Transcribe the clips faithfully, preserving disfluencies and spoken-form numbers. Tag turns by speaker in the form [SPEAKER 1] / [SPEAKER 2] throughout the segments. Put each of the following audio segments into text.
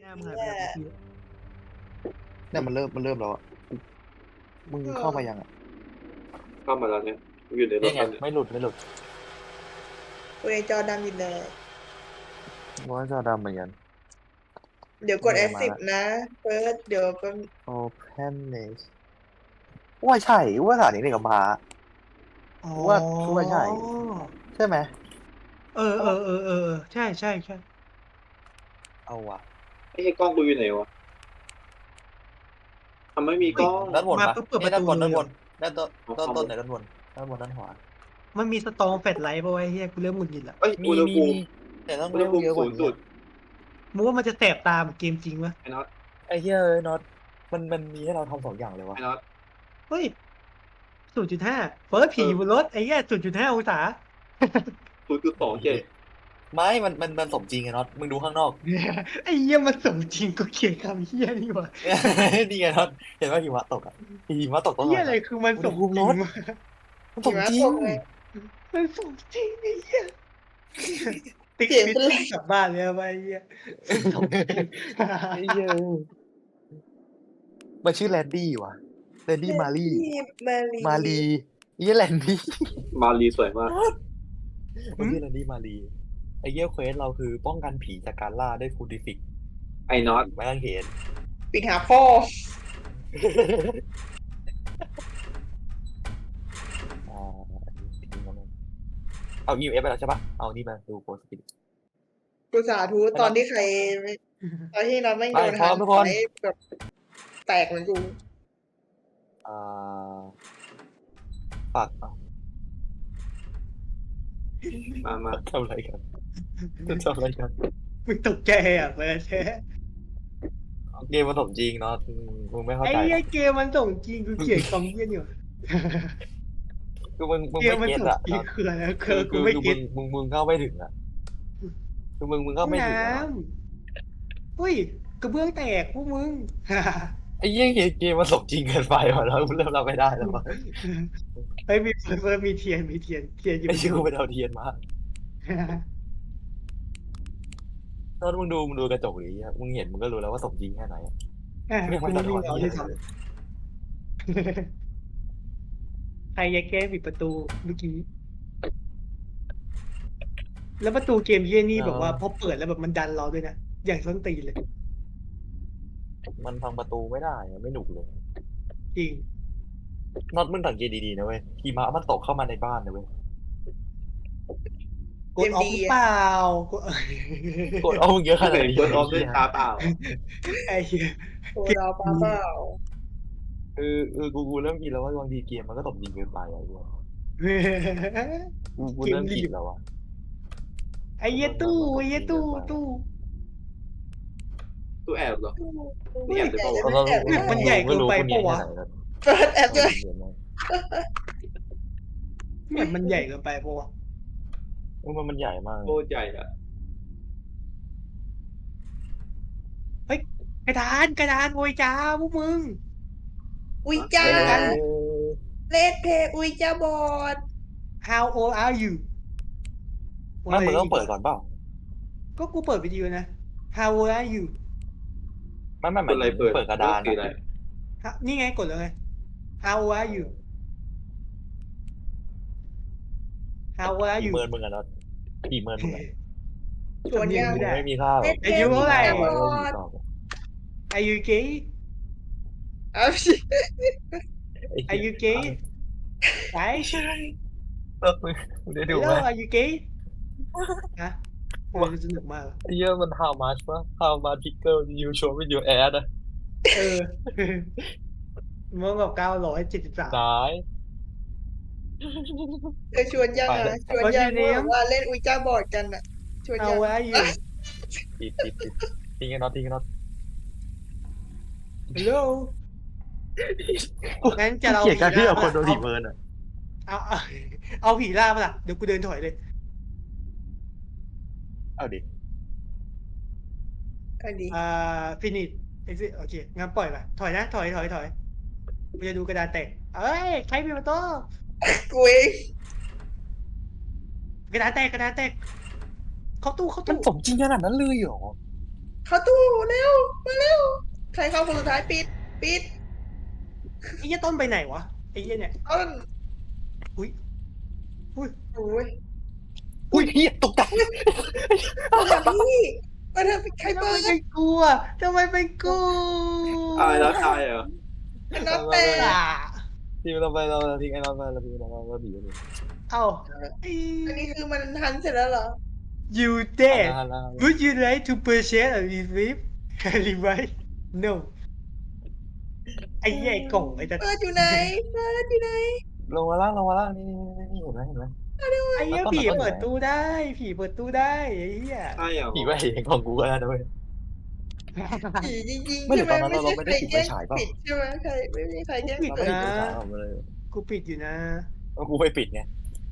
[SPEAKER 1] น้ามึงหายไปไหนเมื่อกี้
[SPEAKER 2] เนี่ยมันเริ่มมันเริ่มแล้วอ่ะมึงเข้ามายังอ่ะ
[SPEAKER 3] เข้ามาแล้วเนี่ยอยู่ในร
[SPEAKER 4] นี่
[SPEAKER 3] ถ
[SPEAKER 4] ไง
[SPEAKER 3] แล้วเนี่ย
[SPEAKER 4] ไม่หลุดไม่หลุด
[SPEAKER 5] กูในจอดำอยู่เลย
[SPEAKER 2] ว่าจะดำเหมือนกัน
[SPEAKER 5] เดี๋ยวกด
[SPEAKER 2] เนี่
[SPEAKER 5] F
[SPEAKER 2] ยมา
[SPEAKER 5] สิบ
[SPEAKER 2] ละ
[SPEAKER 5] นะเฟิร์สเดี๋ยวก็
[SPEAKER 2] Open Nest ว่าใช่ว่าสถานีนี่กับมา
[SPEAKER 1] อ๋อ
[SPEAKER 2] ว่าว่าใช่ ใช่ไหม
[SPEAKER 1] เออเออเออเออเออใช่ใช่ใช่
[SPEAKER 2] เอาว่ะ
[SPEAKER 3] ไอ้กล้องกูอยู่ไหนวะทำไม่มีกล้อง
[SPEAKER 4] ด้านบน
[SPEAKER 1] มา
[SPEAKER 4] ปะ
[SPEAKER 1] ปุ๊บเปิดป
[SPEAKER 4] นี่
[SPEAKER 1] ระ
[SPEAKER 4] ด้าน
[SPEAKER 1] ตู
[SPEAKER 4] บน
[SPEAKER 1] เล
[SPEAKER 4] ด้าย น
[SPEAKER 1] เห
[SPEAKER 4] บ
[SPEAKER 1] รอน
[SPEAKER 4] ด้านต้น
[SPEAKER 3] เอา
[SPEAKER 4] ต้น
[SPEAKER 3] เข้า
[SPEAKER 4] ต้นไหนด้านบนด้านบนด้านขวา
[SPEAKER 1] มันมีสตองแฟลชไลท์ป่ะวะไอ้เฮียกูเริ่มหงุดหงิดละ
[SPEAKER 3] เอ้ย
[SPEAKER 4] มี
[SPEAKER 3] อุณห
[SPEAKER 4] มี
[SPEAKER 3] ภูมิ
[SPEAKER 4] มีแต่ต้อง
[SPEAKER 3] อุณห
[SPEAKER 4] เร็ว
[SPEAKER 3] ภูมิ
[SPEAKER 4] เยอะก
[SPEAKER 3] ศู
[SPEAKER 4] ว่าน
[SPEAKER 3] ย์
[SPEAKER 4] นี้
[SPEAKER 3] จุด
[SPEAKER 1] มึงว่ามันจะแสบตาเหมือนเกมจริงปะ
[SPEAKER 3] ไอ้น็อต
[SPEAKER 4] ไอ้เหี้ยเอ้ยน็อตมันมันมีให้เราทำสองอย่างเลยวะ
[SPEAKER 3] ไอ้น็อต
[SPEAKER 1] เฮ้ยศูนย์จุดห้าเฟิร์สผีอยู่บนรถไอ้เหี้ยศูนย์จุดห้าองศา
[SPEAKER 3] ศูนย์จุดสองเจ็ด
[SPEAKER 4] ไม่มันมันมันสมจริงไงน็อตมึงดูข้างนอก
[SPEAKER 1] ไอ้เหี้ยมันสมจริงกูเขียนคำเหี้ยนี่วะ
[SPEAKER 4] นี่ไงน็อตเห็นว่าหิมะตกอ่ะหิมะตกตลอ
[SPEAKER 1] เหี้ย
[SPEAKER 4] ด
[SPEAKER 1] อะไรคือมันสมจริงวะ
[SPEAKER 4] มันสมจริง
[SPEAKER 1] มันสมจริงไอ้เหี้ยติ๊ก
[SPEAKER 5] เสียง
[SPEAKER 1] ฟิต
[SPEAKER 5] เป็นไร
[SPEAKER 1] กลับบ้านเลยอะไปไอ้เหี้ยสมจริง
[SPEAKER 4] ไอ้เหี้ยมันชื่อแลนดี้ว่ะแลนดี้มารี
[SPEAKER 5] มาลี
[SPEAKER 4] มารีไอ้เหี้ยแลนดี้
[SPEAKER 3] มารีสวยมาก
[SPEAKER 4] มันชื่อแลนดี้มารีไอ้เหี้ยเควสเราคือป้องกันผีจากการล่าด้วยฟูดิฟิก
[SPEAKER 3] ไอ้น็อต
[SPEAKER 4] ไม่ต้องเห็น
[SPEAKER 5] ปิดหาพ่อ
[SPEAKER 4] อ่าอันนี้จริงๆแล้วมันเอา อี เอฟ ไปแล้วใช่ปะเอานี่มาดูโพสต์ปิด
[SPEAKER 5] กูสาธุตอนที่ใครตอนที่เราไม่โดน
[SPEAKER 4] ไปพร้อมทุกคน
[SPEAKER 5] ไอ้แบบแตกเหมือนกู
[SPEAKER 4] อ่าฝากเอา
[SPEAKER 3] มามา
[SPEAKER 4] ทำอะไรกันจะทำอะไรกัน
[SPEAKER 1] มึงตกใจอ่ะเฟิร์ส
[SPEAKER 4] เกมมันสมจริงเนาะมึงไม่เข้า
[SPEAKER 1] ไอ้
[SPEAKER 4] ใจ
[SPEAKER 1] เหี้ยเกมมันส่งจริงกูเขียนคำเหี้ยนี่วะ
[SPEAKER 4] คือมึงมึง
[SPEAKER 1] เกม
[SPEAKER 4] ไม่
[SPEAKER 1] มัน
[SPEAKER 4] เก็ต
[SPEAKER 1] ส่ง
[SPEAKER 4] อะ
[SPEAKER 1] จริงคืออะไรคื
[SPEAKER 4] คือ อ
[SPEAKER 1] กู
[SPEAKER 4] คือ
[SPEAKER 1] ไม่
[SPEAKER 4] คือ
[SPEAKER 1] เก็
[SPEAKER 4] มึ
[SPEAKER 1] ต
[SPEAKER 4] งมึงมึงเข้าไม่ถึงอะคือมึงมึงเข้าไม่ถึง
[SPEAKER 1] น้
[SPEAKER 4] อะ
[SPEAKER 1] ำอุ้ยกระเบื้องแตกพวกมึง
[SPEAKER 4] ไอ้เหี้ยเกมมันสมจริงเกินไปว่ะแล้วเริ่มรับไม่ได้แล้วว่ะ
[SPEAKER 1] เฮ้ยมีเฟิร์สมีเทียนมีเทียนเทียนอยู่
[SPEAKER 4] ไอ้เชื่อกูไปเอาเทียนมาตอนมึงดูมึงดูกระจกดิมึงเห็นมึงก็รู้แล้วว่าสมจริงแค่ไหนอะ
[SPEAKER 1] อ่ะ
[SPEAKER 4] ไม่
[SPEAKER 1] กู
[SPEAKER 4] ไม่
[SPEAKER 1] ไม่
[SPEAKER 4] สะท้
[SPEAKER 1] มี
[SPEAKER 4] อน
[SPEAKER 1] เงา
[SPEAKER 4] ที่
[SPEAKER 1] ด้วย
[SPEAKER 4] อะไร
[SPEAKER 1] ซ้
[SPEAKER 4] เลย
[SPEAKER 1] ำใครจะแก้ปิดประตูเมื่อกี้ แล้วประตูเกมเยี่ยนี่แบบว่าพอเปิดแล้วแบบมันดันเราด้วยนะอย่างส้นตีนเลย
[SPEAKER 4] มันพังประตูไม่ได้อะไม่หนุกเลย
[SPEAKER 1] จริง
[SPEAKER 4] น็อตมึงสังเกตดีๆนะเว้ยหิมะมันตกเข้ามาในบ้านนะเว้ย
[SPEAKER 1] กดออฟหรือเปล่ากด
[SPEAKER 4] กดเอามึงเยอะข
[SPEAKER 3] ถ้า
[SPEAKER 4] นา
[SPEAKER 3] ไห
[SPEAKER 4] ด
[SPEAKER 3] น
[SPEAKER 4] นี้
[SPEAKER 3] กดออฟด้วยตาเปล่า
[SPEAKER 1] ไอ้เหี้ย
[SPEAKER 5] โอ้เราป้าเปล่า
[SPEAKER 4] เออเออกูกูเริ่มคิดแล้วว่าบางทีเกมมันก็สมจริงเกินไปอะเว้ยกูกูเริ่มคิดแล้วอะ
[SPEAKER 1] ไอ้เหี้ยตู้ไอ้เหี้ยตู้ตู้
[SPEAKER 3] ตู้แอบเหรอ
[SPEAKER 5] ไม่อยากจะ
[SPEAKER 4] เพราะ
[SPEAKER 5] ไม่
[SPEAKER 4] ว่า
[SPEAKER 5] แอบ
[SPEAKER 1] เนี่ยมันใหญ่เกินไปปะวะ
[SPEAKER 5] เฟิร์สแอบด้วย
[SPEAKER 1] เนี่ยมันใหญ่เกินไปปะวะ
[SPEAKER 4] มันมันใหญ่มาก
[SPEAKER 3] โคตรใหญ่อะ
[SPEAKER 1] กระดานกระดานโวยจ้าพวกมึง
[SPEAKER 5] อุ้ยจ้า
[SPEAKER 4] เออ
[SPEAKER 5] เลดเพย์อุ้ยจ้าบอด
[SPEAKER 1] How old are you
[SPEAKER 4] ไม่มึงต้องเปิดก่อนเปล่า
[SPEAKER 1] ก็กูเปิดวิดีโอนะ How old are you
[SPEAKER 4] ไม่ไม่ห
[SPEAKER 3] เปิ
[SPEAKER 4] มา
[SPEAKER 3] ด
[SPEAKER 4] ย
[SPEAKER 3] อะไร
[SPEAKER 4] ถึง
[SPEAKER 3] เปิด
[SPEAKER 4] เปิดกระดาน
[SPEAKER 3] คืออะไร
[SPEAKER 1] ฮะนี่ไงกดแล้วไง How old are you How old are
[SPEAKER 4] กี่
[SPEAKER 1] you
[SPEAKER 4] เมินมึงอะน็อตกี่เมินมึงอะ
[SPEAKER 5] ชวนยัง
[SPEAKER 4] มึงไม่มีค่าหรอก
[SPEAKER 1] อายุเท่าไหร่
[SPEAKER 4] ม่มีค่าหรอก
[SPEAKER 1] Are you gay
[SPEAKER 5] เอาสิ
[SPEAKER 1] Are you gay ไหน
[SPEAKER 4] เออมึงมึงได้ดู
[SPEAKER 1] Hello
[SPEAKER 4] ไหม
[SPEAKER 1] are you gay ฮะโอ้ยสนุกมาก
[SPEAKER 4] ไอ้เหี้ยมัน how much วะ how much pickle you show with your ad อะ
[SPEAKER 1] เออมันแบบเก้าร้อยเจ็ดสิบสาม
[SPEAKER 4] นาย
[SPEAKER 5] เธอชวนยัง
[SPEAKER 4] ไป
[SPEAKER 5] อ่ะ
[SPEAKER 4] แล้ว
[SPEAKER 5] ชวนยังว่าว่าเล่นอุ้ยจ้าบอดกันอ่ะ ชวนยัง
[SPEAKER 1] How are you
[SPEAKER 4] ติดติดติดทิ้งกันน็อตทิ้งกันน็อต
[SPEAKER 1] Hello งั้นจะเรา
[SPEAKER 4] เกลียดการที่เอาคนโดน
[SPEAKER 1] ผี
[SPEAKER 4] ผีเมินอะ
[SPEAKER 1] เอาเอาเอาผีล่ามาล่ะเดี๋ยวกูเดินถอยเลย
[SPEAKER 4] เอาดิ
[SPEAKER 5] อันนี้
[SPEAKER 1] อ่าฟินิชเอ็กซิโอเคงั้นปล่อยไปถอยนะถอยถอยถอยกูจะดูกระดานแตกเอ้ยใครมีประตู
[SPEAKER 5] กูเอง
[SPEAKER 1] กระดานแตกกระดานแตกเข้าตู้เข้า
[SPEAKER 4] มัน
[SPEAKER 1] ตู้
[SPEAKER 4] สมจริงขนาดนั้นเลยเหรอ
[SPEAKER 5] เข้าตู้เร็วมาเร็วใครเข้าคนสุดท้ายปิดปิด
[SPEAKER 1] ไอ้เหี้ยต้นไปไหนวะไอ้เหี้ยเนี่ย
[SPEAKER 5] ต้น
[SPEAKER 1] อุ้ยอุ้ย
[SPEAKER 5] โอ้ย
[SPEAKER 2] อุ้ยเฮียตกใจ
[SPEAKER 5] มาทำพี่มาทำใคร
[SPEAKER 1] ทำ
[SPEAKER 5] เปิ
[SPEAKER 1] ไม
[SPEAKER 5] ด
[SPEAKER 1] เป็นกูอ่ะทำไมเป็นกู
[SPEAKER 3] อะไรแล้วตายเหรอ
[SPEAKER 5] อันนั้นแต่
[SPEAKER 1] อ่ะ
[SPEAKER 4] ทีมเราไปเราทิ้งไอ้นอนไปเราทิ้งเราเราดีกัน
[SPEAKER 1] เอ้าไอ้
[SPEAKER 5] อันนี้คือมันทันเสร็จแล้วเหรอ
[SPEAKER 1] you dead would you like to purchase a receipt revive no ไอ้เหี้ยไอ้กล่องไอ้ตา
[SPEAKER 5] เปิดอยู่ไหนเปิดอยู่ไหน
[SPEAKER 4] ลงมาล่างลงมาล่างนี่นี่นี่เห็นไหมเห็นไหม
[SPEAKER 1] ไอ้เหี้ยผีเปิดตู้ได้ผีเปิดตู้ได้ไอ้เหี้ย
[SPEAKER 3] ใช่เหรอ
[SPEAKER 4] ผีว่าเห็นของกูก็ได้ด้วย
[SPEAKER 5] ผีจริงๆ
[SPEAKER 2] ไม่
[SPEAKER 5] ใช่
[SPEAKER 2] เดี๋ยว
[SPEAKER 5] ไหม
[SPEAKER 2] ตอนนั้น
[SPEAKER 5] ไม่
[SPEAKER 2] เรา
[SPEAKER 5] ใช่
[SPEAKER 2] เราไม่
[SPEAKER 5] ใค
[SPEAKER 2] ได้
[SPEAKER 5] ร
[SPEAKER 2] ปิด
[SPEAKER 5] แกล้
[SPEAKER 2] ไฟ
[SPEAKER 5] ง
[SPEAKER 2] ฉายเปล่า
[SPEAKER 5] ปิดใช่ไหมใครไม่มีใครแกล้ง
[SPEAKER 1] ปิด
[SPEAKER 5] เปิด
[SPEAKER 4] ไม่
[SPEAKER 1] นะ
[SPEAKER 4] ปิดฉายออกมาเลย
[SPEAKER 1] กูปิดอยู่นะ
[SPEAKER 4] กูไปปิดไง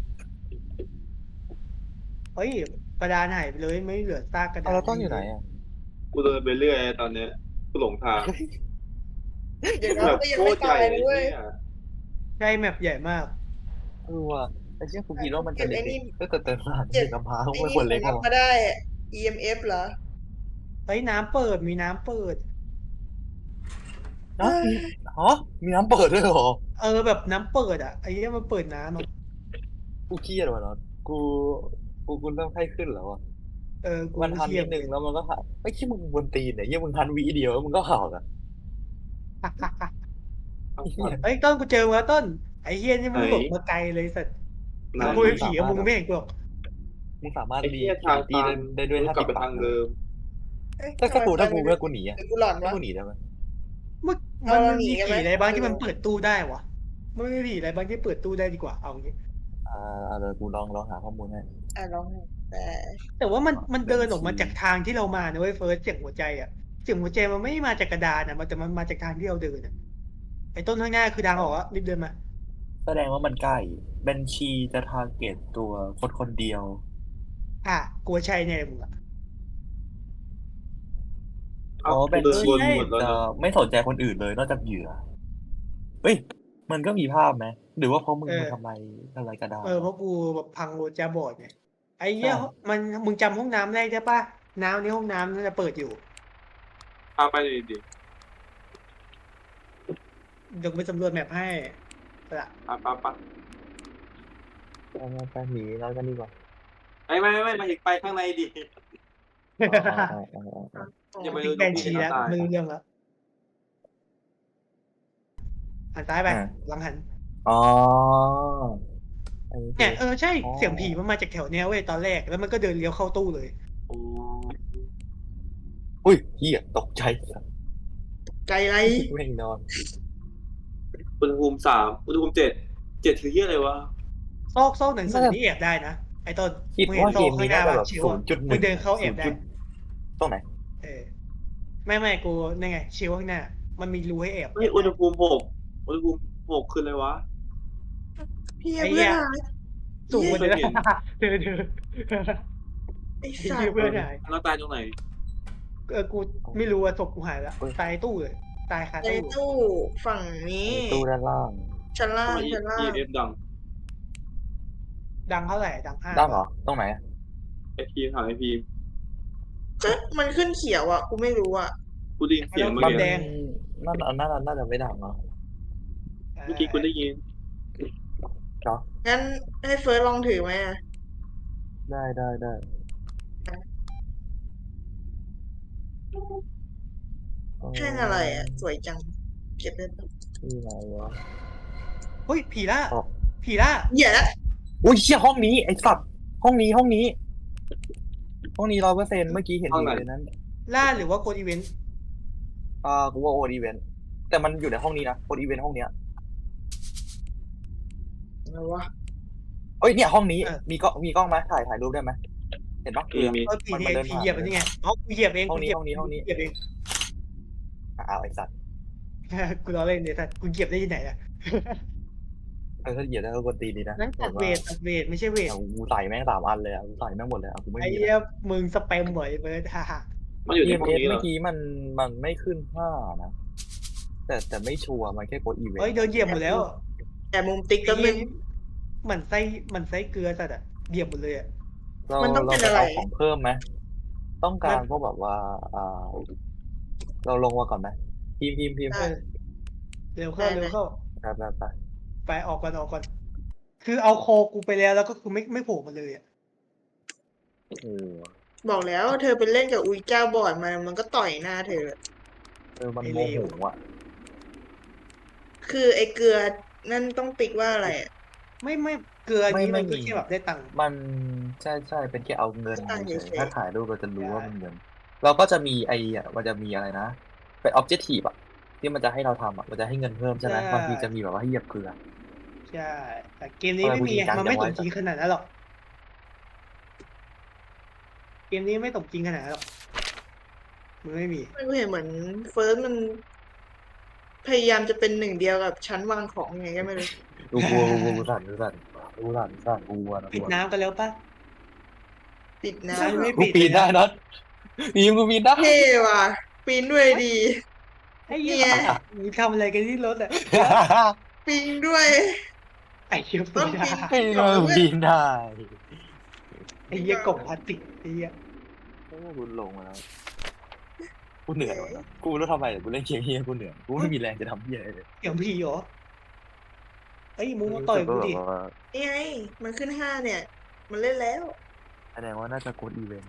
[SPEAKER 1] เฮ้ยกระดานหายไปเลยไม่เหลือซากกระดา
[SPEAKER 4] เอา
[SPEAKER 1] น
[SPEAKER 4] แล้วต้นอยู่ไหนอ่ะ
[SPEAKER 3] กูเดินไปเรื่อยตอนเนี้ยกูหลงทาง
[SPEAKER 5] เดี๋ยว
[SPEAKER 3] แบ
[SPEAKER 5] เรา
[SPEAKER 3] บ
[SPEAKER 5] ก็ยัง
[SPEAKER 3] โค
[SPEAKER 5] ไม่
[SPEAKER 3] ตรให
[SPEAKER 5] ตา
[SPEAKER 3] ญ่
[SPEAKER 5] ย
[SPEAKER 3] เล
[SPEAKER 5] เลย ยเว้ย
[SPEAKER 3] เนี่ย
[SPEAKER 1] ใช่แมปใหญ่มาก
[SPEAKER 4] เออว่ะไอ้เชี่ยกูคิดว่ามันจะ
[SPEAKER 5] เก็บไอ้
[SPEAKER 4] เล็
[SPEAKER 5] นี่
[SPEAKER 4] กๆก็แต่เต็มร้าน
[SPEAKER 5] เก็
[SPEAKER 4] เด็
[SPEAKER 5] บ
[SPEAKER 4] กกำพร้า
[SPEAKER 5] ไอ้
[SPEAKER 4] ไม่
[SPEAKER 5] นี่
[SPEAKER 4] ควรเล็ก
[SPEAKER 5] ผม
[SPEAKER 4] หร
[SPEAKER 5] รับ
[SPEAKER 4] อ
[SPEAKER 5] มาได้ อี เอ็ม เอฟ เหรอ
[SPEAKER 1] เฮ้ยน้ำเปิดมีน้ำเปิด
[SPEAKER 4] นะมีฮะมีน้ำเปิดด้วยเหรอ
[SPEAKER 1] เออแบบน้ำเปิดอ่ะไอ้เหี้ยมันเปิดน้ำอ่ะ
[SPEAKER 4] กูเครียดว่ะเนาะกูกูกูเริ่มไข้ขึ้นแล้วอ่ะ
[SPEAKER 1] เออกู
[SPEAKER 4] มันทัน
[SPEAKER 1] เทีย
[SPEAKER 4] นิ
[SPEAKER 1] บ
[SPEAKER 4] ดนึงแล้วมันก็หักไอ้ขี้มึงบนตีนเนี่ยยี่มึงทันวิเดียวแล้วมึงก็หักอ่ะ
[SPEAKER 1] เฮ้ยต้นกูเจอมาต้นไอ้เฮียนี่มันหลบมาไกลเลยสัตว์
[SPEAKER 3] ไหน
[SPEAKER 1] กูเป็นผีอะมึงไม่เห็นกูหรอก
[SPEAKER 4] มึงสามารถ
[SPEAKER 3] ไอ้
[SPEAKER 4] รี
[SPEAKER 3] เหี้ยทาง
[SPEAKER 4] ตี
[SPEAKER 3] ตั
[SPEAKER 4] ได้
[SPEAKER 3] น
[SPEAKER 4] ได้ด้วย
[SPEAKER 3] กู
[SPEAKER 4] ท่าก
[SPEAKER 3] ลับ
[SPEAKER 4] ติด
[SPEAKER 3] ไป
[SPEAKER 4] ปาก
[SPEAKER 3] ทางเดิม
[SPEAKER 5] เอ๊ะ
[SPEAKER 4] ถ้า
[SPEAKER 5] ทำไม
[SPEAKER 4] กูถ้ากู
[SPEAKER 5] มัน
[SPEAKER 4] เพื่อกูหนีอ่ะ
[SPEAKER 5] หรือกูหลอน
[SPEAKER 4] ถ้าว
[SPEAKER 5] ะ
[SPEAKER 4] กูหนีได้ไหม
[SPEAKER 1] มึง
[SPEAKER 5] เอา
[SPEAKER 1] มัน
[SPEAKER 5] เราหนี
[SPEAKER 1] มี
[SPEAKER 5] กันไหม
[SPEAKER 1] ผีอะไรบ้างที่มันเปิดตู้ได้วะมันไม่มีผีอะไรบ้างที่เปิดตู้ได้ดีกว่าเอางี้
[SPEAKER 4] อ่าเดี๋ยวกูลองลองหาข้อมูลให้
[SPEAKER 5] อ่ะลองแต่
[SPEAKER 1] แต่ว่ามันมันเดินออกมา
[SPEAKER 4] บัญชี
[SPEAKER 1] จากทางที่เรามานะเว้ยเฟิร์สเสียงหัวใจอ่ะเสียงหัวใจมันไม่ได้มาจากกระดานอ่ะมันแต่มันมาจากทางที่เราเดินอ่ะไอ้ต้นข้างหน้าคือทางออกอ่ะรีบเดินมา
[SPEAKER 4] แสดงว่ามันใกล้บัญชีจะทาร์เก็ตตัวคนคนเดียว
[SPEAKER 1] อ่ะกลัวใช่แน่มึงอ่ะ
[SPEAKER 4] อ๋อ
[SPEAKER 3] กู
[SPEAKER 4] บัญ
[SPEAKER 3] เดิน
[SPEAKER 4] ชี
[SPEAKER 3] วนหมดแล้ว
[SPEAKER 4] จะ
[SPEAKER 3] นะ
[SPEAKER 4] ไม่สนใจคนอื่นเลยนอกจากเหยื่อเฮ้ยมันก็มีภาพไหมหรือว่าเพราะมึงมึงทำไมอะไรกระดาษ
[SPEAKER 1] เออเพราะกูแบบพังโรจาบอดไงไอ้เหี้ย
[SPEAKER 4] ใช่
[SPEAKER 1] มันมึงจำห้องน้ำได้ใช่ปะน้ำในห้องน้ำนั่นจะเปิดอยู่
[SPEAKER 3] พาไปดิดิ
[SPEAKER 1] เดี๋ยวกูไปสำรวจแมพให้ละ
[SPEAKER 3] ปะปะปะ
[SPEAKER 4] ไปไปหนีเรากันดีกว่า
[SPEAKER 3] ไม่ไม่ไม่มาถึงไปข้างในดิ
[SPEAKER 4] อ๋ออ๋ออ๋ออ๋อ
[SPEAKER 3] อย่าไป
[SPEAKER 1] ติ๊กแบนชีแล้ว
[SPEAKER 3] ตาย
[SPEAKER 1] ไม่รู้เรื่องแล้วหันซ้ายไปหลังหัน
[SPEAKER 4] อ๋ออันนี้คื
[SPEAKER 1] เนี่ย
[SPEAKER 4] อ
[SPEAKER 1] เออใช่
[SPEAKER 4] อ๋อ
[SPEAKER 1] เสียงผีมันมาจากแถวเนี้ยเว้ยตอนแรกแล้วมันก็เดินเลี้ยวเข้าตู้เลย
[SPEAKER 3] โอ้
[SPEAKER 4] อุ้ยเหี้ยตกใจ
[SPEAKER 5] ใจไร
[SPEAKER 4] ไม่นอน
[SPEAKER 3] อุณหภูมิสามอุณหภูมิเจ็ดเจ็ดคือเหี้ยอะไรวะ
[SPEAKER 1] ซอกซอกหนังสือนี่แอบได้นะไอ้ต้น
[SPEAKER 4] คิด
[SPEAKER 1] มึงเห็น
[SPEAKER 4] ว่า
[SPEAKER 1] ซ
[SPEAKER 4] เก
[SPEAKER 1] อก
[SPEAKER 4] ม
[SPEAKER 1] ข้า
[SPEAKER 4] นี้
[SPEAKER 1] งหน้า
[SPEAKER 4] น่าจะ
[SPEAKER 1] ป่ะ
[SPEAKER 4] แบบ
[SPEAKER 1] ชิว
[SPEAKER 4] ศู
[SPEAKER 1] อะ
[SPEAKER 4] นย์จุดห
[SPEAKER 1] มึ
[SPEAKER 4] นึ่
[SPEAKER 1] ง
[SPEAKER 4] ง
[SPEAKER 1] เดินเข้าแอบได้
[SPEAKER 4] ตรงไหน
[SPEAKER 1] เออไม่ไม่กูนี่ไงชิวข้างหน้า มันมีรูให้แอบ
[SPEAKER 3] เฮ้ยอุณหภูมิหกอุณหภูมิหกคืออะไรวะ
[SPEAKER 5] พี่เพื่อนหาย
[SPEAKER 1] สูงกว่าเดิม
[SPEAKER 3] ไม่เห็น
[SPEAKER 1] เดินเดิน
[SPEAKER 5] ไอ้
[SPEAKER 1] ไอ้
[SPEAKER 5] สัต
[SPEAKER 1] เหี้ย
[SPEAKER 5] ว์
[SPEAKER 1] เพื่อนหาย
[SPEAKER 3] แล้วตายตรงไหน
[SPEAKER 1] เออกูไม่รู้ว่าศพกูหายแล้วตายตู้เลยตายคา
[SPEAKER 5] ใน
[SPEAKER 1] ตู้
[SPEAKER 5] ตู้ฝั่งนี้
[SPEAKER 4] ตู้ด้านล่าง
[SPEAKER 5] ชั้นล่าง
[SPEAKER 3] ทำไม
[SPEAKER 5] ชั้นล่าง
[SPEAKER 3] อีเอฟดัง
[SPEAKER 1] ดังเท่าไหร่ดังห้า
[SPEAKER 4] ด้านเหรอตรงไหน
[SPEAKER 3] ไอพีถามไอพี
[SPEAKER 5] ก็มันขึ้นเขียวอ่ะ กูไม่รู้อ่ะ
[SPEAKER 3] กูได้ยินเสียงเมื่อ
[SPEAKER 4] มัน
[SPEAKER 3] กี้
[SPEAKER 1] แดง
[SPEAKER 4] น่าน่าน่าน่าจะไม่ดังเนาะ
[SPEAKER 3] เมื่อกี้กูได้ยิน
[SPEAKER 5] งั้นให้เฟิร์สลองถือไหมอ่ะ
[SPEAKER 4] ได้ได้ได้
[SPEAKER 5] แค่อะไรอ่ะ สวยจัง เก็บได้ปะ
[SPEAKER 4] ที่ไหนวะ
[SPEAKER 1] เฮ้ยผีล่า
[SPEAKER 4] อ๋อ
[SPEAKER 1] ผีล่า
[SPEAKER 5] เหี้ยละ
[SPEAKER 4] อุ้ยเชี่ยห้องนี้ไอ้สัตว์ห้องนี้ห้องนี้ ห้องนี้ร้อยเปอร์เซ็นต์เมื่อกี้เห็นอยู่ในนั้น
[SPEAKER 1] ล่าหรือว่าโกดอีเวนต์
[SPEAKER 4] อ่ากูว่าโอดีเวนต์แต่มันอยู่ในห้องนี้นะโอดีเวนต์ห้องเนี้ย
[SPEAKER 5] อะไรวะ
[SPEAKER 4] เอ้ยเนี่ยห้องนี้มีกล้องมีกล้องไหมถ่ายถ่ายรูปได้ไหมเห็นปะ
[SPEAKER 3] มีมี
[SPEAKER 1] เออผี
[SPEAKER 4] มัน
[SPEAKER 1] เนี่ย
[SPEAKER 4] มันเดิน
[SPEAKER 1] ผี
[SPEAKER 4] ผ่าน
[SPEAKER 1] เหยียบอันนี้ไงอ๋อกูเหยียบเอง
[SPEAKER 4] ห้องนี้
[SPEAKER 1] กูเหยียบ
[SPEAKER 4] ห้องนี้ห้องนี้
[SPEAKER 1] เหยียบเอง
[SPEAKER 4] อ้าวไอ้สัตว์
[SPEAKER 1] กูล้อเล่นเนี่ยแต่กูเหยียบได้ที่ไหนอะ
[SPEAKER 4] เออถ้าเหยียบได้ก็กวนตีนดีนะ
[SPEAKER 1] นั่นตัดเวทตัดเวทไม่ใช่เวท
[SPEAKER 4] เอากูใส่แม่งสามอันเลยอ่ะกูใส่แม่งหมดเลยอ่ะกูไม่
[SPEAKER 1] ไอ้
[SPEAKER 4] มี
[SPEAKER 1] เหี้ยมึงสแปมบ่อยเบิร์ดฮ่าฮ่า
[SPEAKER 3] มันอยู่
[SPEAKER 4] เอ
[SPEAKER 3] ใน
[SPEAKER 4] เอ็ม
[SPEAKER 3] ห้อง
[SPEAKER 4] เอส
[SPEAKER 3] นี้เหร
[SPEAKER 4] เมื่
[SPEAKER 3] อ
[SPEAKER 4] อกี้มันมันไม่ขึ้นห้านะแต่แต่ไม่ชัวร์มันแค่กดอีเวนต์
[SPEAKER 1] เฮ้ยเดินเหยียบหมดแล้ว
[SPEAKER 5] แต่มุมติ๊กก็
[SPEAKER 1] ไอ้
[SPEAKER 5] เป็
[SPEAKER 1] เหี้ย
[SPEAKER 5] น
[SPEAKER 1] เหมือนไส้เหมือนไส้เกลือสัตว์อะเหยียบหมดเลยอะ
[SPEAKER 4] เรา
[SPEAKER 5] มันต้อง
[SPEAKER 4] เรา
[SPEAKER 5] เป็น
[SPEAKER 4] จะ
[SPEAKER 5] อะไร
[SPEAKER 4] เอาของเพิ่มไหมต้องการพวกแบบว่าอ่า เราลงมาก่อนไหมพิมพ์พิมพ์พิมพ์
[SPEAKER 5] ได้
[SPEAKER 1] เร็วเข้าเร็วเข้า
[SPEAKER 4] ไปไปไป
[SPEAKER 1] ไปออกก่อนออกก่อนคือเอาโคกูไปแล้วแล้วก็คือไม่ไม่โผล่มาเลยอ่ะ
[SPEAKER 4] โอ้โห
[SPEAKER 5] บอกแล้วเธอไปเล่นกับอุยเจ้าบอดมามันก็ต่อยหน้าเธอ
[SPEAKER 4] เออมันโมโหอ่ะ
[SPEAKER 5] คือไอ้เกลือนั่นต้องติ๊กว่าอะไรอะ
[SPEAKER 1] ไม่ไม่เกลือ
[SPEAKER 4] ไม่
[SPEAKER 1] นี้
[SPEAKER 4] ไม่
[SPEAKER 1] มันก็
[SPEAKER 4] มี
[SPEAKER 1] แค่แบบได้ตังค์
[SPEAKER 4] มันใช่ใช่เป็นแค่เอาเงิน
[SPEAKER 5] ตั้ง
[SPEAKER 4] เฉย
[SPEAKER 5] เฉยๆ
[SPEAKER 4] ๆถ้าถ่ายรูปเราจะรู้
[SPEAKER 1] ใช่
[SPEAKER 4] ว่ามันเงิน เราก็จะมีไอ้อะมันจะมีอะไรนะ เป็น objective อ่ะ ที่มันจะให้เราทำอ่ะ มันจะให้เงินเพิ่มใช่ไหม
[SPEAKER 1] ใช่
[SPEAKER 4] บางทีจะมีแบบว่าให้เหยียบเกลือ
[SPEAKER 1] ใช่แต่เกมนี้
[SPEAKER 4] ทำไม
[SPEAKER 1] ไม่มี
[SPEAKER 4] กูจริงจัง
[SPEAKER 1] มันไม่
[SPEAKER 4] จัง
[SPEAKER 1] ส
[SPEAKER 4] วะ
[SPEAKER 1] มจริงขนาดนั้นหรอกเกมนี้ไม่สมจริงขนาดนั้นหรอกมันไม่มี
[SPEAKER 5] ไม่เห็นเหมือนเฟิร์สมัน พยายามจะเป็นหนึ่งเดียวกับชั้นวางของไงก็ไม่รู้
[SPEAKER 4] กูกลัวกูกลัวกูสั่นกูสั่นกูสั่นสั่นกูกลัวนะ
[SPEAKER 1] ปิดน้ำกันแล้วปะ
[SPEAKER 5] ปิดน้
[SPEAKER 1] ใช่ไม่
[SPEAKER 4] กูปีนได้นะปีนกูปีนได้
[SPEAKER 5] ำเท่ว่ะปีนด้วยดี
[SPEAKER 1] ไอ้เหี้
[SPEAKER 5] เนี่ย ย
[SPEAKER 1] มึงทำอะไรกันที่รถอ่ะ
[SPEAKER 5] ปิงด้วย
[SPEAKER 1] ไอ้เหี้ย
[SPEAKER 5] ต้
[SPEAKER 1] ปี
[SPEAKER 5] อง
[SPEAKER 1] ได้
[SPEAKER 5] ปีน
[SPEAKER 4] ให้เราปีนได้
[SPEAKER 1] ไอ้เหี้ยกล่องพลาสติกไอ้เหี้ย
[SPEAKER 4] โอ้กูลงมาแล้วกูเหนื่อยว่ะกูไม่รู้ทำไมแต่กูเล่นเกมเฮียกูเหนื่อยกูไม่มีแรงจะทำเฮียอะไรเลย
[SPEAKER 1] เสียงผีเหรอไอ้ยมึงมาต่อยกูดิ
[SPEAKER 4] รู้สึว่าแบบว่า
[SPEAKER 5] นี่ไงมันขึ้นห้าเนี่ย มันเล่นแล้ว
[SPEAKER 4] แสดงว่าน่าจะกดอีเวนต์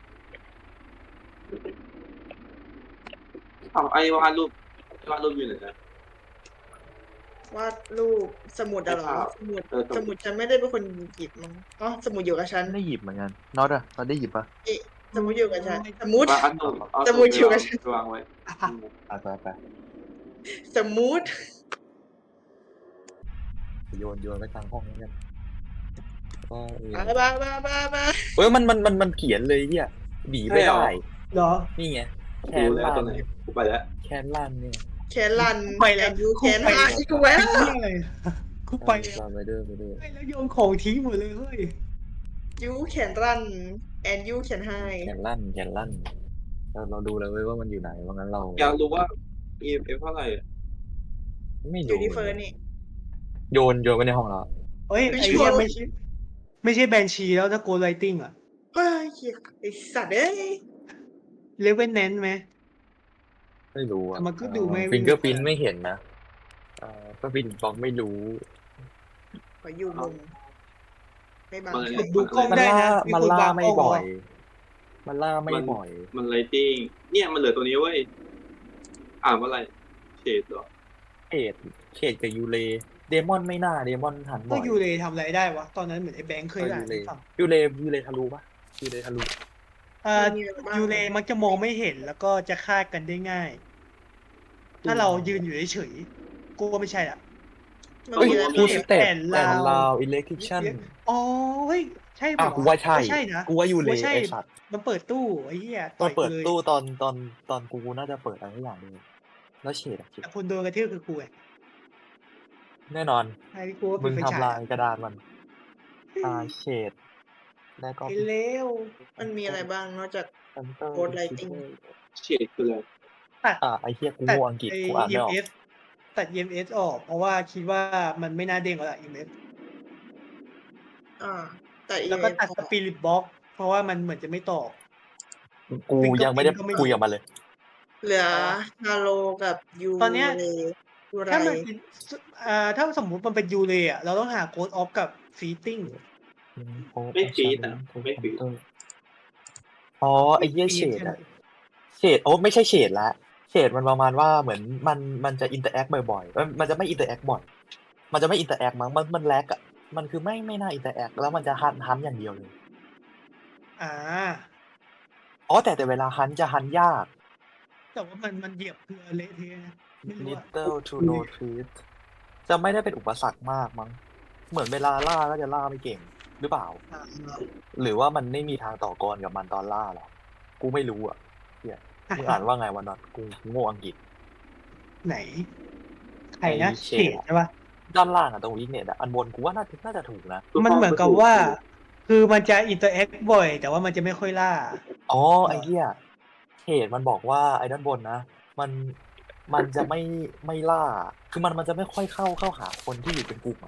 [SPEAKER 3] เอาไอ้วาดรูปวาดรูปอยู่ไหนนะ
[SPEAKER 5] วาดรูปสมุดอะเหรอ สมุด
[SPEAKER 3] เออสมุด
[SPEAKER 5] สมุดฉันไม่ได้เป็นคนหยิบมั้งอ๋อสมุดอยู่กับฉัน
[SPEAKER 4] ได้หยิบเหมือนกันน็อตอะน็อตได้หยิบปะ
[SPEAKER 5] สมุดอยู่กับฉัน สมุด
[SPEAKER 3] ว่าอันนู้นเอา
[SPEAKER 5] สมุดอยู่กับฉัน
[SPEAKER 3] ไปวางไว้
[SPEAKER 4] อ่ะไปไป
[SPEAKER 5] สมุด
[SPEAKER 4] โยนโยนไปกลางห้องนี่กันก็เออ
[SPEAKER 5] บ้าบ้าบ้าบ้าบ้า
[SPEAKER 4] เอ้ยมันมันมันมันเขียนเลยเฮียหนีไม่ได้
[SPEAKER 1] เหรอ
[SPEAKER 4] นี่ไงแค
[SPEAKER 3] ดู
[SPEAKER 4] น
[SPEAKER 3] แล้ว
[SPEAKER 4] ลั
[SPEAKER 3] ตัวน ไหนกูไปแล้ว
[SPEAKER 4] แคนลันเนี่ย
[SPEAKER 5] แคนลัน
[SPEAKER 1] ไปแล้ว
[SPEAKER 5] ยู
[SPEAKER 1] กู
[SPEAKER 5] แคน
[SPEAKER 1] ไป
[SPEAKER 5] ห้า
[SPEAKER 1] แล้ว
[SPEAKER 5] กูไว้แล้ว
[SPEAKER 1] ไอ้เหี้ยอะไรกูไปแล้ว
[SPEAKER 4] เราไปเด้อไปเด้อ
[SPEAKER 1] ไปแล้วโยนของทิ้งหมดเลยเฮ้ย
[SPEAKER 5] ยูแคนรันแอนยูแคนไฮ
[SPEAKER 4] แคนลันแคนลันเราเราดูเลยเว้ยว่ามันอยู่ไหนว่างั้นเรา
[SPEAKER 3] อยากรู้ว่า อี เอ็ม เอฟ เท่าไหร่อะ
[SPEAKER 4] ไม่
[SPEAKER 5] อ
[SPEAKER 4] รู้
[SPEAKER 5] ยู่ที่เฟิร์นนี่
[SPEAKER 4] โยนโยนไปในห้องเรา
[SPEAKER 1] เฮ้ย
[SPEAKER 5] ไม่
[SPEAKER 1] ไอ้
[SPEAKER 5] ชัว
[SPEAKER 1] เหี้ย
[SPEAKER 5] ร์
[SPEAKER 1] ไม่ใช่ไม่ใช่แบนชีแล้วถ้าโกลไลติงอะ
[SPEAKER 5] เฮ้ยเหี้ยไอสัตว์เอ้ย
[SPEAKER 1] เลเวนแนนไหม
[SPEAKER 4] ไม่รู้อ่ะ
[SPEAKER 1] แต่มันก็ดูไม่
[SPEAKER 4] ฟิงเกอร์พินไม่เห็นนะเอ่อก็ฟินบอกไม่รู้
[SPEAKER 5] ขออยู่มุมไม่บัง
[SPEAKER 3] มัน
[SPEAKER 5] ใคร
[SPEAKER 3] เลย
[SPEAKER 1] ดูกล้อง
[SPEAKER 4] มัน
[SPEAKER 1] ได้
[SPEAKER 4] ล่า
[SPEAKER 1] นะมี
[SPEAKER 4] มัน
[SPEAKER 1] คน
[SPEAKER 4] ล่าว
[SPEAKER 1] าง
[SPEAKER 4] ไม่
[SPEAKER 1] กล้อง
[SPEAKER 4] บ่อย
[SPEAKER 1] วะ
[SPEAKER 4] มันล่าไม่บ่อย
[SPEAKER 3] มันไลติ้งเนี่ยมันเหลือตัวนี้เว้ยอ่านว่าอะไรเฉดเหรอ
[SPEAKER 4] เขตเขตกับยูเลเดมอนไม่น่าเดมอนหันบ่
[SPEAKER 1] ก็
[SPEAKER 4] อย
[SPEAKER 1] ยูเลทำอะไรได้วะ ตอนนั้นเหมือนไอ้แบงค์เคย
[SPEAKER 4] เออ
[SPEAKER 1] อ่า
[SPEAKER 4] ยู
[SPEAKER 1] น
[SPEAKER 4] เล
[SPEAKER 1] ให้ฟัง
[SPEAKER 4] ยูเลยูเลทะลุปะยูเลทะลุ
[SPEAKER 1] เอ่อ
[SPEAKER 5] มีอะไรบ้าง
[SPEAKER 1] ยูเลมักจะมองไม่เห็นแล้วก็จะฆ่ากันได้ง่าย ถ้าเรายืนอยู่เฉยๆกูว่าไม่ใช่อ่ะ
[SPEAKER 5] มัน
[SPEAKER 4] เฮ้ย
[SPEAKER 5] มีอะไร
[SPEAKER 4] กู
[SPEAKER 5] บ้าง
[SPEAKER 4] สเต็ป
[SPEAKER 1] แผ่น
[SPEAKER 4] แต่
[SPEAKER 1] ลาว
[SPEAKER 4] ลาวอิเล็กทริชัน
[SPEAKER 1] อ๋อเฮ้ยใช่
[SPEAKER 4] อ่ะ
[SPEAKER 1] ปะ
[SPEAKER 4] กูว่าใช่
[SPEAKER 1] ไม่ใช่นะ
[SPEAKER 4] กูว่ายูเล
[SPEAKER 1] กูใช่
[SPEAKER 4] ไอสัตว์
[SPEAKER 1] มันเปิดตู้ไอ้เหี้ย
[SPEAKER 4] ตอนเปิด
[SPEAKER 1] ยกูลย
[SPEAKER 4] ตู้ตอนตอนตอนกูน่าจะเปิดอะไรสักอย่างหนึงแล้วเฉดอะเฉด
[SPEAKER 1] แต่คนโดนกระทืบคือกูไง
[SPEAKER 4] แน่นอน
[SPEAKER 1] ไอ้กูว่า
[SPEAKER 4] มึ
[SPEAKER 1] เป็น
[SPEAKER 4] ง
[SPEAKER 1] ไฟฉาย
[SPEAKER 4] ทำลายกระดานมันอ่าเฉดแล้วก็
[SPEAKER 1] ไอ้เลว
[SPEAKER 5] มันมีอะไรบ้างนอกจาก
[SPEAKER 4] ซันเตอร์
[SPEAKER 5] Code Lighting
[SPEAKER 3] เฉดคืออะไร
[SPEAKER 1] ตัด
[SPEAKER 4] อ่าไอเฮียกู
[SPEAKER 1] ตัด
[SPEAKER 4] โง่อังกฤษ
[SPEAKER 1] ไอ้
[SPEAKER 4] กูอ่านไม่ออก
[SPEAKER 1] อี เอ็ม เอส ตัด อี เอ็ม เอส ออก เพราะว่าคิดว่ามันไม่น่าเด้งแล้วล่ะ อี เอ็ม เอส
[SPEAKER 5] อ่า แต่อี
[SPEAKER 1] แล้วก็ตัดสปิริตบ็อกเพราะว่ามันเหมือนจะไม่ตอบ
[SPEAKER 4] กูยังไม่ได้
[SPEAKER 1] ก็ไม่
[SPEAKER 4] คุยกับมันเลย
[SPEAKER 5] เหลือฮาโลกับยู
[SPEAKER 1] ตอนเนี้ย
[SPEAKER 5] เลยูไร
[SPEAKER 1] ถ้ามันเป็นอ่าถ้าสมมุติมันเป็นยูเลอะเราต้องหาโค้ดออฟกับฟีติ้ง
[SPEAKER 3] ไม่ฟีดอ่ะไม่ฟีด
[SPEAKER 4] อ๋อไอเฮียเฉด
[SPEAKER 1] ใช่ไหม
[SPEAKER 4] อะเฉดโอ้ไม่ใช่เฉดละเฉดมันประมาณว่าเหมือนมันมันจะอินเตอร์แอคบ่อยๆเอ้ยมันจะไม่อินเตอร์แอคบ่อยมันจะไม่อินเตอร์แอคมั้งมันมันแลกอะมันคือไม่ไม่น่าอินเตอร์แอคแล้วมันจะฮันฮันอย่างเดียวเลย
[SPEAKER 1] อ่า
[SPEAKER 4] อ๋อแต่แต่เวลาฮันจะฮันยาก
[SPEAKER 1] แต่ว่ามันมันเหยียบเกลือเละเทะนะไม่รู้อะ
[SPEAKER 4] little to no treat จะไม่ได้เป็นอุปสรรคมากมั้งเหมือนเวลาล่าก็จะล่าไม่เก่งหรือเปล่า
[SPEAKER 1] อ่า
[SPEAKER 4] หรือว่ามันไม่มีทางต่อกรกับมันตอนล่าหรอกูไม่รู้อ่ะเฮียมึงอ่านว่าไงวันนั้นกูโง่อังกฤษ
[SPEAKER 1] ไหน ใครนะ
[SPEAKER 4] ไอ้เฉ
[SPEAKER 1] เฉ
[SPEAKER 4] ด
[SPEAKER 1] ดใช่ปะ
[SPEAKER 4] ด้านล่างอะตรงวิกเน็ตอะอันบนกูว่าน่าจะน่าจะถูกนะ
[SPEAKER 1] มันเหมือนกับว่า คือมันจะอินเตอร์แอคบ่อย แต่ว่ามันจะไม่ค่อยล่า
[SPEAKER 4] อ๋อไอ้เหี้ยเหตุมันบอกว่าไอ้ด้านบนนะ มันมันจะไม่ไม่ล่า คือมันมันจะไม่ค่อยเข้าเข้าหาคนที่อยู่เป็นกลุ่มอะ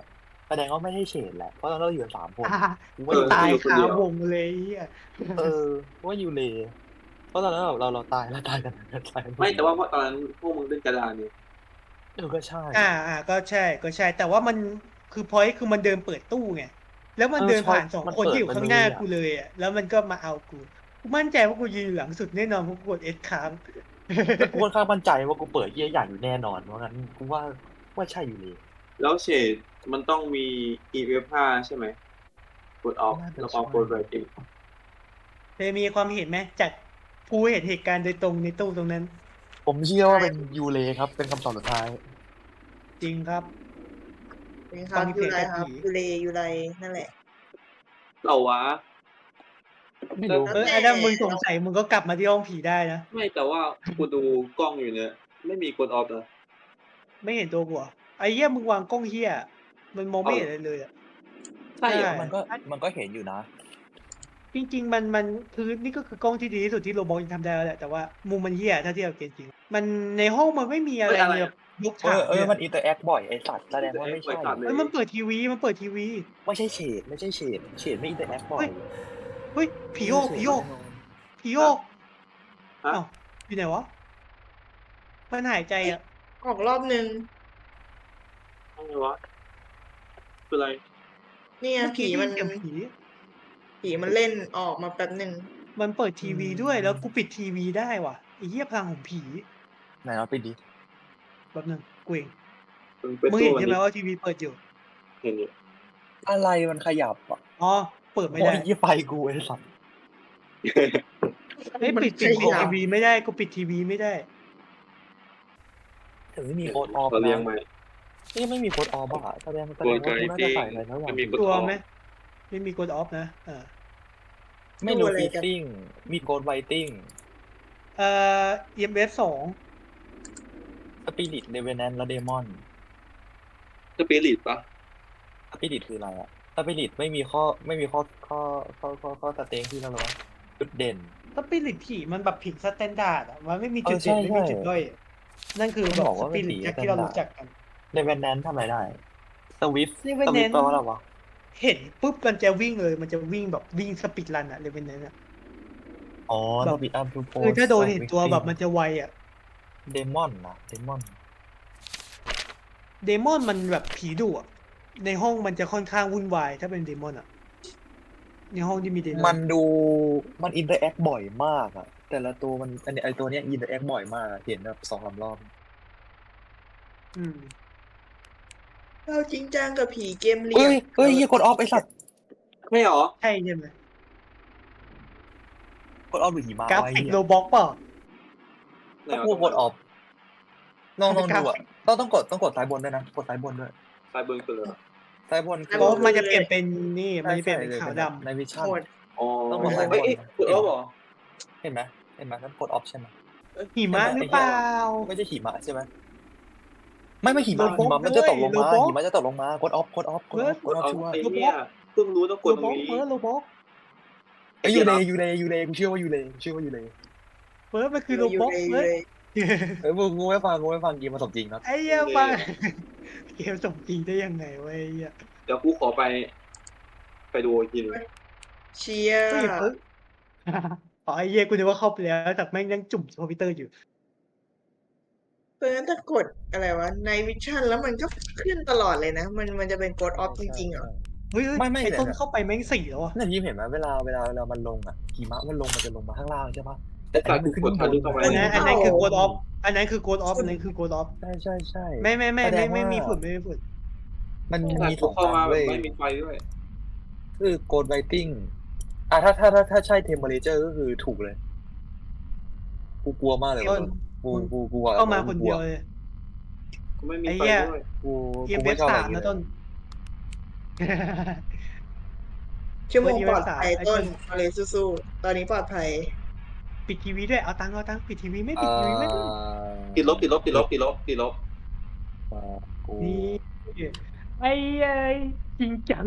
[SPEAKER 4] แสดงว่าไม่ใช่เฉดแหละเพราะเราอยู่กันสามคน
[SPEAKER 1] อ่า
[SPEAKER 4] กู
[SPEAKER 1] มั
[SPEAKER 4] ว่าน อยู่
[SPEAKER 1] ตาย
[SPEAKER 3] อยู่คน
[SPEAKER 1] คา
[SPEAKER 3] เดียว
[SPEAKER 1] วงเลยไอ้เหี้ย
[SPEAKER 4] เออกูว่ายูเลเพราะตอนนั้นเราเราเราตายแล้วตายกันตายกัน
[SPEAKER 3] ไม่แต่ว่าเพราะตอนนั้นพวกมึงเล่นกระดานเนี่ย
[SPEAKER 4] เออก็ใช่
[SPEAKER 1] อ่าอ่าก็ใช่ก็ใช่ แต่ว่ามันคือพอยต์คือมันเดินเปิดตู้ไงแล้วมัน
[SPEAKER 4] เออ
[SPEAKER 1] เดิน
[SPEAKER 4] ใช่
[SPEAKER 1] ผ่านสอง
[SPEAKER 4] มัน
[SPEAKER 1] คน
[SPEAKER 4] เปิด
[SPEAKER 1] ที่อยู่
[SPEAKER 4] มา
[SPEAKER 1] ข้างหน้า
[SPEAKER 4] เลยอะ
[SPEAKER 1] กูเลยอ่ะแล้วมันก็มาเอากูกูมั่นใจว่ากูยืนอยู่หลังสุดแน่นอนเพราะกูกดเอสค้าง
[SPEAKER 4] แล้วกูค่อนข้างมั่นใจว่ากูเปิดเยี่ยอย่างอยู่แน่นอนเพราะงั้นกูว่าว่าใช่ยูเล
[SPEAKER 3] แล้วเฉดมันต้องมี อี เอฟ ห้าใช่ไหมกดออก
[SPEAKER 4] น่าจะ
[SPEAKER 3] แล้วก็
[SPEAKER 4] ใช่
[SPEAKER 3] กดไรติ้ง
[SPEAKER 1] เธอมีความเห็นไหมจากผู้เห็นเหตุการณ์โดยตรงในตู้ตรงนั้น
[SPEAKER 4] ผมเชื่อว่าเป็นยูเลครับ เป็นคำตอบสุดท้าย
[SPEAKER 1] จริงครับ
[SPEAKER 5] เป็นครับ
[SPEAKER 1] ฟัง
[SPEAKER 5] ยูไร
[SPEAKER 1] เพลง
[SPEAKER 5] ครับ
[SPEAKER 1] ผี
[SPEAKER 5] ยูเลยูไรนั่นแหละ
[SPEAKER 3] เราวะ
[SPEAKER 4] ไม่รู้
[SPEAKER 1] เออไอ้ถ้ามึงสงสัยมึงก็กลับมาที่ห้องผีได้นะ
[SPEAKER 3] ไม่แต่ว่ากูดูกล้องอยู่เนี่ยไม่มีกดออฟนะ
[SPEAKER 1] ไม่เห็นตัวกูเหรอไอ้เหี้ยมึงวางกล้องเหี้ยมันมองไม่เห็นอะไรเลยอ่ะ
[SPEAKER 3] ใช่เหรอ
[SPEAKER 1] ใช่
[SPEAKER 4] มันก็มันก็เห็นอยู่นะ
[SPEAKER 1] จริงๆมันมันคือนี่ก็คือกล้องที่ดีที่สุดที่โรบอททำได้แล้วแหละแต่ว่ามุมมันเหี้ยถ้าเทียบกับเกมจริง มันในห้องมันไม่มีอะไรเลยแบบยก
[SPEAKER 4] เอ
[SPEAKER 1] ฉาก
[SPEAKER 4] อเอ
[SPEAKER 1] เล
[SPEAKER 4] อย มันอินเตอร์แอคบ่อยไอสัตว์แสดงว่าไม่ใช่
[SPEAKER 1] เอ้ยมันเปิดทีวีมันเปิดทีวี
[SPEAKER 4] ไม่ใช่เฉดไม่ใช่เฉดเฉดไม่อินเตอร์แอคบ่อย
[SPEAKER 1] เฮ้ยผีโยกผีโยกผีโยก
[SPEAKER 3] ฮะ
[SPEAKER 1] อ้าวอยู่ไหนวะมันหายใจอ่ะ
[SPEAKER 5] ออกรอบนึง
[SPEAKER 3] อะไรวะคืออะไร
[SPEAKER 5] เนี่ย
[SPEAKER 1] เมื่อ
[SPEAKER 5] ผี
[SPEAKER 1] กี้
[SPEAKER 5] มั
[SPEAKER 1] มัน นเสียงผี
[SPEAKER 5] ผีมันเล่นออกมาแป๊บหนึ่ง
[SPEAKER 1] มันเปิดทีวีด้วยแล้วกูปิดทีวีได้ว่ะไอ้เหี้ยพลังของผี
[SPEAKER 4] ไหนเราไปดิ
[SPEAKER 1] แป๊บนึงกูเอง
[SPEAKER 3] มึงเป็น
[SPEAKER 1] มึง
[SPEAKER 3] ตู้
[SPEAKER 1] เห็น
[SPEAKER 3] อัน
[SPEAKER 1] ใช่ไหม
[SPEAKER 3] นี้
[SPEAKER 1] ว่าทีวีเปิดอยู่
[SPEAKER 3] เห็นอยู่
[SPEAKER 4] อะไรมันขยับอ่ะ
[SPEAKER 1] อ๋อเปิดไม่
[SPEAKER 4] โอ้
[SPEAKER 1] ได้
[SPEAKER 4] ยยี่ไฟกูไอสัตว์
[SPEAKER 1] เฮ้ย
[SPEAKER 5] มัน
[SPEAKER 1] ปิดปิด
[SPEAKER 5] ข
[SPEAKER 1] ปิด
[SPEAKER 5] ยับ
[SPEAKER 1] ทีวีไม่ได้กูปิดทีวีไม่ได้
[SPEAKER 4] ถึงไม่มีโค้ดออฟ
[SPEAKER 3] เราเรียง
[SPEAKER 4] นะ
[SPEAKER 3] ใหม่
[SPEAKER 4] นี่ไม่มีโค้ดออฟอ่ะแสดงแสดงว่ากูน่าจะใส่อะไรแล้วอย่าง
[SPEAKER 3] มันมีกด
[SPEAKER 1] ตัว
[SPEAKER 3] ออฟ
[SPEAKER 1] ไหมไม่มีกดออฟนะเออ
[SPEAKER 4] ไม่ดูฟิตติ้งมีโกดไวติ้ง
[SPEAKER 1] เอ่อ อี เอ็ม เอส สอง
[SPEAKER 4] สปิริตเดเวนแนนและเดมอน
[SPEAKER 3] สปิริตปะ
[SPEAKER 4] สปิริตคืออะไรอ่ะสปิริตไม่มีข้อไม่มีข้อข้อข้อข้อข้อสเต็งที่นั่นหรอวะจุดเด่น
[SPEAKER 1] สปิริตผีมันแบบผิดสแตนดาร์ดอ่ะมันไม่มีจุด
[SPEAKER 4] เออใช่
[SPEAKER 1] เด่นไม่มี
[SPEAKER 4] ใช่
[SPEAKER 1] จุดด้อยอะนั่นคือ
[SPEAKER 4] มัน
[SPEAKER 1] แบบ
[SPEAKER 4] บอก
[SPEAKER 1] ส
[SPEAKER 4] ว่า
[SPEAKER 1] ปิ
[SPEAKER 4] เป็น
[SPEAKER 1] ริต
[SPEAKER 4] ผี
[SPEAKER 1] จากที่เรา
[SPEAKER 4] standard
[SPEAKER 1] รู้จักกัน
[SPEAKER 4] เดเวนแนนทำอะไรได้สวิฟส
[SPEAKER 1] Revenant
[SPEAKER 4] วิฟแปลว่าอะไรวะ
[SPEAKER 1] เห็นปุ๊บมันจะวิ่งเลย มันจะวิ่งแบบวิ่งสปีดรันอะเลยเป็นนั้นอะ
[SPEAKER 4] อ๋อ
[SPEAKER 1] แบบ
[SPEAKER 4] สปีดอัพทูโพ
[SPEAKER 1] คือถ้าโดนเห็นตัวแบบมันจะไวอะ
[SPEAKER 4] เดมอนนะเดมอน
[SPEAKER 1] เดมอนมันแบบผีดุอะในห้องมันจะค่อนข้างวุ่นวายถ้าเป็นเดมอนอะในห้องที่มีเดมอน
[SPEAKER 4] มันดูมันอินเตอร์แอคบ่อยมากอะแต่ละตัวมันอันนี้ไอตัวเนี้ยอินเตอร์แอคบ่อยมากอะเห็นแบบสองสามรอบ
[SPEAKER 1] อืม
[SPEAKER 5] เราจริงจังกับผีเกมเหลี่
[SPEAKER 4] เฮ้
[SPEAKER 5] ย
[SPEAKER 4] ย
[SPEAKER 5] ม
[SPEAKER 4] เฮ้ยเหี้ยกดออฟไอสัตว์
[SPEAKER 3] ไม่หรอ
[SPEAKER 1] ใช่ใช่ไหม
[SPEAKER 4] กดออฟหรือหิมะ
[SPEAKER 1] กรา
[SPEAKER 4] ไว้
[SPEAKER 1] ฟิก
[SPEAKER 4] เหี้ย
[SPEAKER 1] โรบ็อกเปล่า
[SPEAKER 3] ไหน
[SPEAKER 4] ถ้าว
[SPEAKER 3] ะ
[SPEAKER 4] พูดกดออฟลองลอง
[SPEAKER 1] กรา
[SPEAKER 4] ดู
[SPEAKER 1] ฟิ
[SPEAKER 4] อะ
[SPEAKER 1] ก
[SPEAKER 4] ต้องต้องกดต้องกดซ้ายบนด้วยนะกดซ้ายบนด้วย
[SPEAKER 3] ซ้ายบนคือเลย
[SPEAKER 4] ซ้ายบนคือ
[SPEAKER 1] เพราะมันจะเปลี่ยนเป็นนี่มันจะเปลี่ยนเป็นขาวด
[SPEAKER 4] ในวิชั่น
[SPEAKER 5] โหด
[SPEAKER 3] อ๋อ
[SPEAKER 4] ต้องกดซ้ายบน
[SPEAKER 3] เอ้ยเอ้ยกดออฟเหรอ
[SPEAKER 4] เห็นไหมเห็นไหมนั่นกดออฟใช่ไหม
[SPEAKER 1] ำหิมะหรือเปล่า
[SPEAKER 4] ไม่ใช่หิมะใช่ไหมไม่ไม่หิมะ
[SPEAKER 1] โรบอ
[SPEAKER 4] หิ
[SPEAKER 1] ท
[SPEAKER 4] มะมันจะตกลง
[SPEAKER 1] โร
[SPEAKER 4] มา
[SPEAKER 1] บอท
[SPEAKER 4] หิมะจะตกลงมากดออฟกดออฟกดออฟกดออฟ
[SPEAKER 3] เอา
[SPEAKER 4] ชัวร์
[SPEAKER 3] ไอ้เนี่ยเพิ่งรู้ต้องก
[SPEAKER 1] โร
[SPEAKER 3] ดต
[SPEAKER 1] บ็
[SPEAKER 3] ร
[SPEAKER 1] อง ก
[SPEAKER 3] นี้
[SPEAKER 1] เฟิร์สโรบ็อก
[SPEAKER 4] ไอ้ยูเลยูเลยูเลกูเชื่อว่ายูเลกูเชื่อว่ายูเล
[SPEAKER 1] เฟิร์สมันคือโรบ็อก
[SPEAKER 5] ยู่
[SPEAKER 1] เฟิร์ส
[SPEAKER 5] เลย
[SPEAKER 4] เอ้ยมึงงูไม่ฟังงูไม่ฟังเกมมาสมจริงนะ
[SPEAKER 1] ไอ้เหี้ยมาเกมสมจริงได้ยังไงวะไอ้เหี้ย
[SPEAKER 3] เดี๋ยวกูขอไป ไปดูอีกทีหนึง
[SPEAKER 5] เชียร์
[SPEAKER 1] เฮ้ยเฟิร์สอ๋อไอ้เหี้ยกูนึกว่าเข้าไปแล้วแต่แม่งยังจุ่มคอมพิวเตอร์อยู่
[SPEAKER 5] เพราะฉะนั้นถ้ากดอะไรวะในวิชั่นแล้วมันก็ขึ้นตลอดเลยนะ มันมันจะเป็นกดออฟจริงๆเหรอ
[SPEAKER 1] เฮ้ยเฮ้ย
[SPEAKER 4] ไม่ไม่
[SPEAKER 1] ไอ้ต้น
[SPEAKER 4] เนี่ย
[SPEAKER 1] เข้าไปแม่งสี่แล้วอะ
[SPEAKER 4] นั่นที่เห็นไหมเวลาเวลาเวลามันลงอ่ะหิมะมันลงมันจะลงมาข้างล่างใช่ปะแต่อันนี้มันขึ้นข้างบน
[SPEAKER 1] อันนั้นอันนั้นคือโกดออฟอันนั้นคือโกดออฟอันนั้นคือโกดออฟ
[SPEAKER 4] ใช่ใช่ใช่
[SPEAKER 1] ไม่ไม่ไม่
[SPEAKER 4] แสด
[SPEAKER 1] ไม่
[SPEAKER 4] ง
[SPEAKER 1] ไม่
[SPEAKER 4] ว่า
[SPEAKER 1] มีฝุ่นไม่มีฝุ่น
[SPEAKER 4] มัน
[SPEAKER 3] แต่
[SPEAKER 4] มีส
[SPEAKER 3] กู
[SPEAKER 4] อง
[SPEAKER 3] เข้า
[SPEAKER 4] อั
[SPEAKER 3] มาน แบบ
[SPEAKER 4] เว้ย
[SPEAKER 3] ไม่มีไฟด้วย
[SPEAKER 4] คือโกดไวติ้งอ่ะถ้าถ้าถ้าถ้าใช่เทมเพอเรเจอร์ก็คือถูกเลย กูกลัวมากเลย
[SPEAKER 1] ต้น
[SPEAKER 4] กูกูกูกลัว
[SPEAKER 1] เข้ามาคนเดียวเลย
[SPEAKER 3] กูไม่มี
[SPEAKER 1] ไอ้
[SPEAKER 3] ไฟ
[SPEAKER 1] เหี้ย
[SPEAKER 3] ด้วย
[SPEAKER 4] กู
[SPEAKER 1] เอ็
[SPEAKER 4] กู
[SPEAKER 1] มเอ
[SPEAKER 4] ไม่
[SPEAKER 1] ฟ
[SPEAKER 4] ชอบ
[SPEAKER 1] สา
[SPEAKER 4] อะไร
[SPEAKER 1] ม
[SPEAKER 4] อย่าง
[SPEAKER 1] นะ
[SPEAKER 4] เงี้ย
[SPEAKER 1] ต้น
[SPEAKER 5] ชั่วโมงปลอดภัย
[SPEAKER 1] ไอ้
[SPEAKER 5] ต้
[SPEAKER 1] ต้
[SPEAKER 5] น
[SPEAKER 1] น
[SPEAKER 5] เอาเลยสู้ๆตอนนี้ปลอดภัย
[SPEAKER 1] ปิดทีวีด้วยเอาตังค์เอาตังค์ปิดทีวีไม่ปิ
[SPEAKER 4] อ่า
[SPEAKER 1] ดทีวีไม่ต้น
[SPEAKER 3] ติดลบติดลบติดลบติดลบติดลบ
[SPEAKER 4] อ่ากู
[SPEAKER 1] นี่ไอ้ไอ้จริงจัง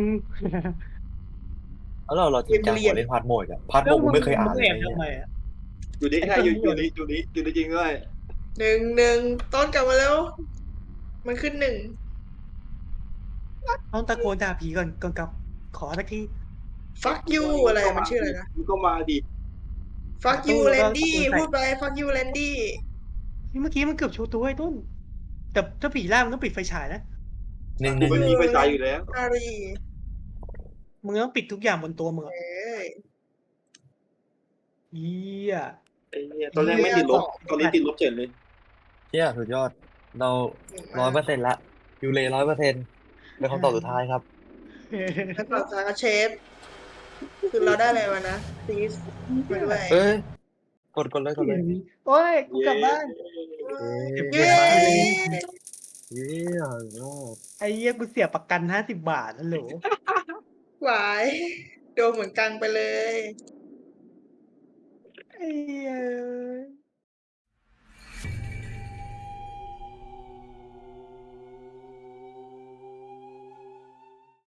[SPEAKER 4] แล้วเราเราจริงจังกว่าเล่นพาร์ทโหมดอะพาร์ทโหมดกูไม่เคยอ่าน
[SPEAKER 1] มึง
[SPEAKER 4] เลย
[SPEAKER 1] แอบ
[SPEAKER 4] เนี่ย
[SPEAKER 1] ทำไมอะ
[SPEAKER 3] อยู่นี่
[SPEAKER 1] ไอ้
[SPEAKER 3] ใช่
[SPEAKER 1] ต้น
[SPEAKER 3] อยู่
[SPEAKER 1] มั่
[SPEAKER 3] อ
[SPEAKER 1] ว
[SPEAKER 3] ยู่นี่อยู่นี่อยู่นี่จริงด้วย
[SPEAKER 5] หนึ่งหนึ่งต้นกลับมาแล้ว มันขึ้นหนึ่ง
[SPEAKER 1] ต้องตะโกนด่าผีก่อนก่อนกลับ ขอสักที
[SPEAKER 5] fuck you อะไรมันชื่ออะไรนะ
[SPEAKER 3] มึงก็มาดิ
[SPEAKER 5] fuck
[SPEAKER 1] หาตู้
[SPEAKER 5] you
[SPEAKER 1] แล้วก็
[SPEAKER 5] Landy
[SPEAKER 1] ตะโกนใส่
[SPEAKER 5] พูดไป fuck you Landy
[SPEAKER 1] เมื่อกี้มันเกือบโชว์ตัวไอ้ต้น แต่ถ้าผีล่ามันต้องปิดไฟฉายนะ
[SPEAKER 4] หนึ่งห
[SPEAKER 3] กู
[SPEAKER 4] นึ่ง
[SPEAKER 3] ไม่
[SPEAKER 4] หนึ่
[SPEAKER 3] มี
[SPEAKER 4] ง
[SPEAKER 3] ไฟฉายอยู่แล้ว
[SPEAKER 5] อารี
[SPEAKER 1] มึงต้องปิดทุกอย่างบนตัวมึง
[SPEAKER 5] เอ
[SPEAKER 1] อะ
[SPEAKER 5] ้ย
[SPEAKER 1] เหี้ย
[SPEAKER 3] ไอ้เหี้ยตอนแรกไม่ติดลบ ตอนนี้ติดลบเฉยเลย
[SPEAKER 4] เชี่ยสุดยอด เราร้อยเปอร์เซ็นต์ละยูเลร้อยเปอร์เซ็นต์เป็นคำตอบสุดท้ายครับ
[SPEAKER 5] แล้วต่อจากเชฟ คือเราได้อะไรวะนะ please มาด้วย
[SPEAKER 4] เอ้ย กดกดเลยกดเลย
[SPEAKER 1] โอ้ย กูกลับบ้าน
[SPEAKER 5] เย้
[SPEAKER 4] เย้ยอด
[SPEAKER 1] ไอ้เหี้ยกูเสียประกันห้าสิบบาทฮัลโหล
[SPEAKER 5] หวายโดนเหมือนกังไปเลย
[SPEAKER 1] ไอ้เหี้ย